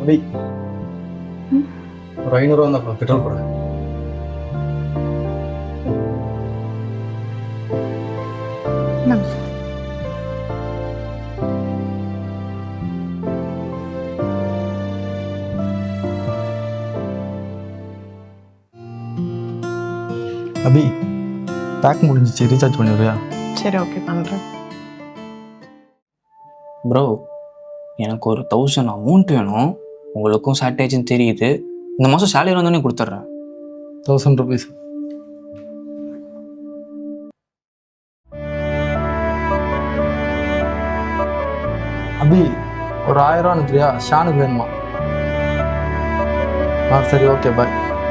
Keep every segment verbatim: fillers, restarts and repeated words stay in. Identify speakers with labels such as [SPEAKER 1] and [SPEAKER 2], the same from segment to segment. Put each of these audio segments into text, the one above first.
[SPEAKER 1] அபி ஒரு ஐநூறுவா தான் பெட்ரோல் போட. அபி பேக் முடிஞ்சிச்சு, ரீசார்ஜ் பண்ணிடுறியா?
[SPEAKER 2] சரி ஓகே பண்ணுறேன்.
[SPEAKER 3] ப்ரோ எனக்கு ஒரு தௌசண்ட் அமௌண்ட் வேணும். உங்களுக்கும் ஷார்ட்டேஜ்னு தெரியுது. இந்த மாதம் சேலரி வந்தோடனே கொடுத்துட்றேன்.
[SPEAKER 1] Thousand rupees. அபி ஒரு ஆயிரம் ரூபா அனுப்புறியா? ஷானுக்கு வேணுமா? ஆ சரி ஓகே பாய்.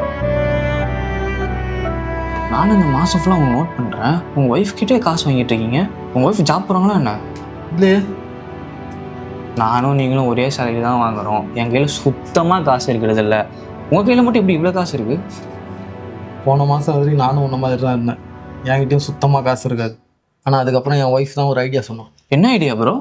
[SPEAKER 3] நானும் இந்த மாதம் ஃபுல்லாக உங்களை நோட் பண்ணுறேன். உங்கள் ஒய்ஃப் கிட்டே காசு வாங்கிட்டு இருக்கீங்க. உங்கள் ஒய்ஃப் ஜாப் போகிறாங்களா என்ன?
[SPEAKER 1] இல்லையே.
[SPEAKER 3] நானும் நீங்களும் ஒரே சேலரி தான் வாங்குகிறோம். என் கையில் சுத்தமாக காசு இருக்கிறது இல்லை. உங்கள் கையில் மட்டும் இப்படி இவ்வளோ காசு இருக்குது?
[SPEAKER 1] போன மாதம் வரைக்கும் நானும் உன்ன மாதிரி தான் இருந்தேன். என்கிட்டயும் சுத்தமாக காசு இருக்காது. ஆனால் அதுக்கப்புறம் என் ஒய்ஃப் தான் ஒரு ஐடியா சொன்னான்.
[SPEAKER 3] என்ன ஐடியா ப்ரோ?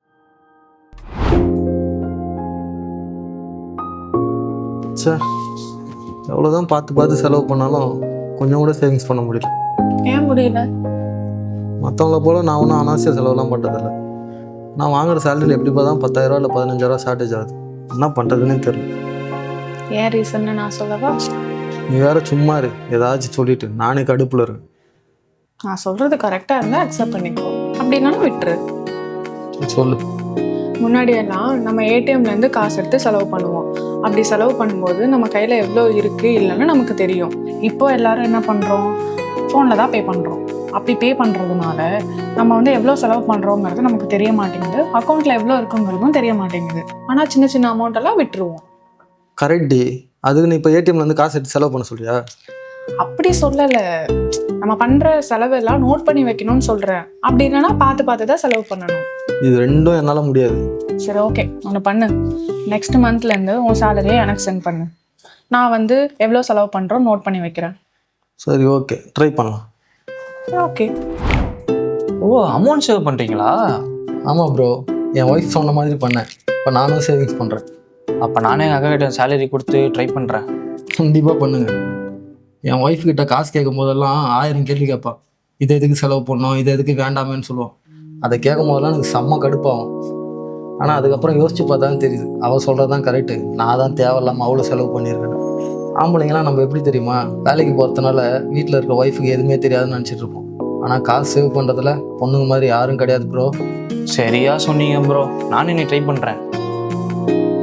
[SPEAKER 1] சார் எவ்வளோதான் பார்த்து பார்த்து செலவு பண்ணாலும் கொஞ்சம் கூட சேவிங்ஸ் பண்ண முடியல.
[SPEAKER 2] ஏன் முடியல?
[SPEAKER 1] மற்றவங்கள போல் நான் ஒன்றும் அனாவசிய செலவுலாம் பண்ணுறதில்ல. நான் வாங்குற சேலரியில் எப்படி பார்த்தா பத்தாயிரரூவா இல்லை பதினஞ்சாயிரரூவா ஷார்ட்டேஜ் ஆகுது. என்ன பண்ணுறதுன்னே தெரியல.
[SPEAKER 2] ஏன் ரீசன்னு நான் சொல்லவா?
[SPEAKER 1] நீ வேற சும்மா இரு, ஏதாச்சும் சொல்லிட்டு நானே கடுப்பில் இருக்கேன்.
[SPEAKER 2] நான் சொல்கிறது கரெக்டாக இருந்தால் அக்செப்ட் பண்ணிக்கோ, அப்படி இல்லைன்னா விட்டுரு.
[SPEAKER 1] சொல்லு.
[SPEAKER 2] முன்னாடியெல்லாம் நம்ம ஏடிஎம்லேருந்து காசு எடுத்து செலவு பண்ணுவோம். அப்படி செலவு பண்ணும்போது நம்ம கையில் எவ்வளோ இருக்குது இல்லைன்னு நமக்கு தெரியும். இப்போ எல்லாரும் என்ன பண்ணுறோம்? ஃபோனில் தான் பே பண்ணுறோம். அப்படி பே பண்ணுறதுனால நம்ம வந்து எவ்வளோ செலவு பண்ணுறோங்கிறது நமக்கு தெரிய மாட்டேங்குது. அக்கௌண்ட்டில் எவ்வளோ இருக்குங்கிறதும் தெரிய மாட்டேங்குது. ஆனால் சின்ன சின்ன அமௌண்ட்டெல்லாம் விட்டுருவோம்.
[SPEAKER 1] கரெக்ட் டி. அதுக்கு நீ இப்போ ஏடிஎம்லேருந்து காசு எடுத்து செலவு பண்ண சொல்றியா?
[SPEAKER 2] அப்படி சொல்லலை. நம்ம பண்ணுற செலவெல்லாம் நோட் பண்ணி வைக்கணும்னு சொல்கிறேன். அப்படி இல்லைன்னா பார்த்து பார்த்து தான் செலவு பண்ணணும்.
[SPEAKER 1] இது ரெண்டும் என்னால் முடியாது.
[SPEAKER 2] சரி ஓகே, ஒன்று பண்ணு. நெக்ஸ்ட் மந்த்லேருந்து உன் சேலரியை எனக்கு சென்ட் பண்ணு. நான் வந்து எவ்வளோ செலவு பண்ணுறோம் நோட் பண்ணி வைக்கிறேன்.
[SPEAKER 1] சரி ஓகே, ட்ரை பண்ணலாம்.
[SPEAKER 2] ஓகே.
[SPEAKER 3] ஓ, அமௌண்ட் சேவ் பண்ணுறீங்களா?
[SPEAKER 1] ஆமாம் ப்ரோ, என் ஒய்ஃப் சொன்ன மாதிரி பண்ணேன். இப்போ நானும் சேவிங்ஸ் பண்ணுறேன்.
[SPEAKER 3] அப்போ நானே எங்கள் அக்கா கிட்ட சேலரி கொடுத்து ட்ரை பண்ணுறேன்.
[SPEAKER 1] கண்டிப்பாக பண்ணுங்க. என் ஒய்ஃப் கிட்ட காசு கேட்கும் போதெல்லாம் ஆயிரம் கேள்வி கேட்பா. இதை எதுக்கு செலவு பண்ணோம், இதை எதுக்கு வேண்டாமேன்னு சொல்லுவோம். அதை கேட்கும் போதெல்லாம் எனக்கு செம்ம கடுப்பாகும். ஆனால் அதுக்கப்புறம் யோசிச்சு பார்த்தாலும் தெரியுது, அவள் சொல்கிறது தான் கரெக்டு. நான் தான் தேவையில்லாமல் அவ்வளோ செலவு பண்ணியிருக்கேன். ஆம்பளைங்களாம் நம்ம எப்படி தெரியுமா, வேலைக்கு போகிறதுனால வீட்டில் இருக்க ஒய்ஃபுக்கு எதுவுமே தெரியாதுன்னு நினச்சிட்டு இருப்போம். ஆனால் காசு சேவ் பண்ணுறதுல பொண்ணுங்க மாதிரி யாரும் கிடையாது ப்ரோ.
[SPEAKER 3] சரியா சொன்னீங்க ப்ரோ. நானும் நீ ட்ரை பண்ணுறேன்.